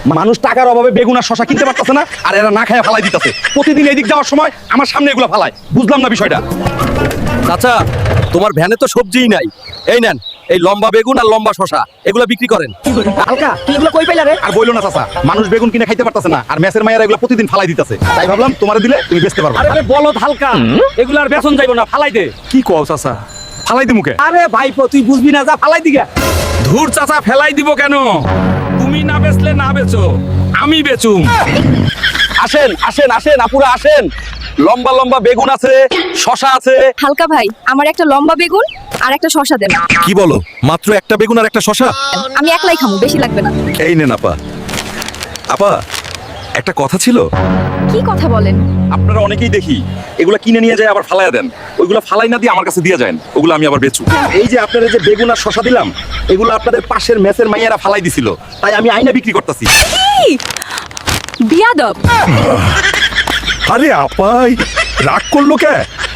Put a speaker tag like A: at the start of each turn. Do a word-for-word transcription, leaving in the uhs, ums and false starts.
A: মানুষ টাকার অভাবে বেগুন আর শশা কিনতে পারতেছে না, আর এরা না খায় ফালাই দিতেছে। প্রতিদিন এদিক যাওয়ার সময় আমার সামনে এগুলো ফালায়। বুঝলাম না বিষয়টা।
B: চাচা, তোমার ভ্যানে তো সবজিই নাই। এই নেন, এই লম্বা বেগুন আর লম্বা শশা এগুলো বিক্রি করেন।
C: হালকা তুই এগুলো কই পাইলা রে?
A: আর বইলো না চাচা, মানুষ বেগুন কিনে খাইতে পারতেছে না, আর মেসের মায়েরা এগুলো প্রতিদিন ফালাই দিতেছে। তাই ভাবলাম তোমারে দিলে তুমি বেচতে পারবে।
B: আরে বলদ হালকা, এগুলো আর বেচন যাইব না, ফালাই দে।
A: কি কও চাচা, ফালাই দি মুখে?
C: আরে ভাইপো তুই বুঝবি না, যা ফালাই দিগা।
A: ধুর চাচা, ফেলাই দিব কেন? তুমি না বেচলে না বেচো, আমি বেচুম। আসেন আসেন আসেন আপুরা আসেন, লম্বা লম্বা বেগুন আছে, শশা আছে।
D: হালকা ভাই, আমার একটা লম্বা বেগুন আর একটা শসা দেন।
B: কি বলো, মাত্র একটা বেগুন আর একটা শশা?
D: আমি একলাই খামু, বেশি লাগবে না।
B: এই নেন আপা। আপা, একটা কথা ছিল।
D: কি কথা বলেন?
A: আপনারা অনেকেই দেখি এগুলা কিনে নিয়ে যায় আবার ফালাইয়া দেন। ওইগুলা ফালাই না দিয়ে আমার কাছে দিয়ে যায়, ওগুলো আমি আবার বেচু। এই যে আপনারা যে বেগুন আর শশা দিলাম, এগুলো আপনাদের পাশের মেসের মাইয়ারা ফালাই দিছিল, তাই আমি আইনা বিক্রি করতেছি।
D: বিয়াদব।
B: আরে আপাই রাগ করলো কে?